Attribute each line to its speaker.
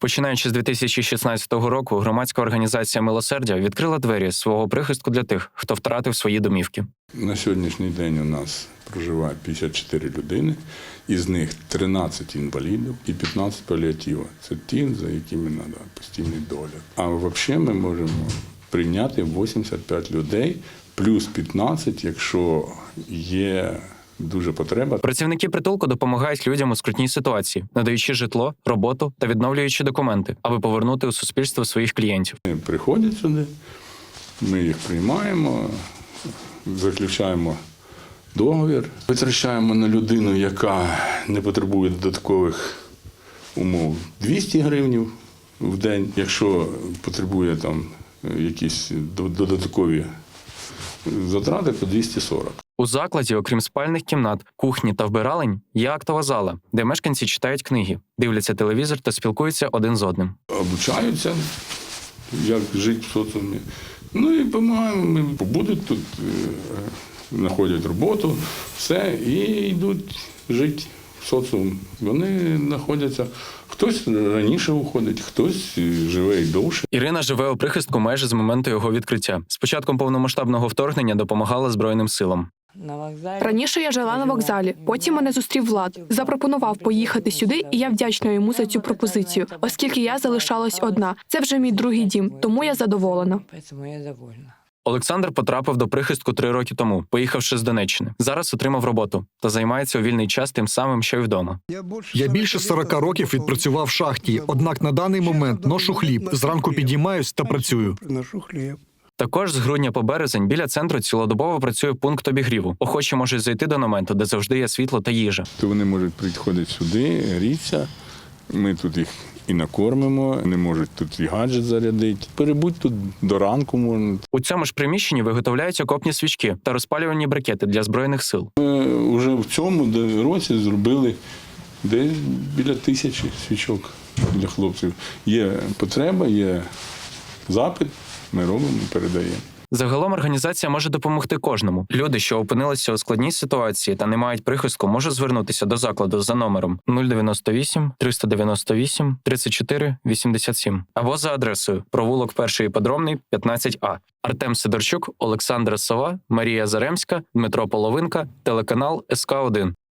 Speaker 1: Починаючи з 2016 року, громадська організація «Милосердя» відкрила двері свого прихистку для тих, хто втратив свої домівки.
Speaker 2: На сьогоднішній день у нас проживає 54 людини, із них 13 інвалідів і 15 паліативів. Це ті, за якими треба постійний догляд. А взагалі ми можемо прийняти 85 людей, плюс 15, якщо є дуже потреба.
Speaker 1: Працівники притулку допомагають людям у скрутній ситуації, надаючи житло, роботу та відновлюючи документи, аби повернути у суспільство своїх клієнтів.
Speaker 2: Вони приходять сюди, ми їх приймаємо, заключаємо договір, витрачаємо на людину, яка не потребує додаткових умов, 200 гривень в день. Якщо потребує там якісь додаткові затрати, то 240.
Speaker 1: У закладі, окрім спальних кімнат, кухні та вбиралень, є актова зала, де мешканці читають книги, дивляться телевізор та спілкуються один з одним.
Speaker 2: Обучаються, як жити в соціумі. Ну і допомагаємо, ми побудуть тут, знаходять роботу, все, і йдуть жити в соціум. Вони знаходяться, хтось раніше уходить, хтось живе і довше.
Speaker 1: Ірина живе у прихистку майже з моменту його відкриття. З початком повномасштабного вторгнення допомагала Збройним силам.
Speaker 3: Раніше я жила на вокзалі, потім мене зустрів Влад. Запропонував поїхати сюди, і я вдячна йому за цю пропозицію, оскільки я залишалась одна. Це вже мій другий дім, тому я задоволена.
Speaker 1: Олександр потрапив до прихистку 3 роки тому, поїхавши з Донеччини. Зараз отримав роботу та займається у вільний час тим самим, що й вдома.
Speaker 4: Я більше 40 років відпрацював в шахті, однак на даний момент ношу хліб, зранку підіймаюсь та працюю.
Speaker 1: Також з грудня по березень біля центру цілодобово працює пункт обігріву. Охочі можуть зайти до намету, де завжди є світло та їжа.
Speaker 2: То вони можуть приходити сюди, грітися, ми тут їх і накормимо, вони можуть тут і гаджет зарядити. Перебудь тут до ранку можна.
Speaker 1: У цьому ж приміщенні виготовляють окопні свічки та розпалювальні брикети для Збройних сил.
Speaker 2: Ми вже в цьому році зробили десь біля 1000 свічок для хлопців. Є потреба, є запит, ми робимо, передаємо.
Speaker 1: Загалом організація може допомогти кожному. Люди, що опинилися у складній ситуації та не мають прихистку, можуть звернутися до закладу за номером 098 398 34 87 або за адресою провулок 1 Іпподромний, 15А. Артем Сидорчук, Олександра Сова, Марія Заремська, Дмитро Половинка, телеканал СК1.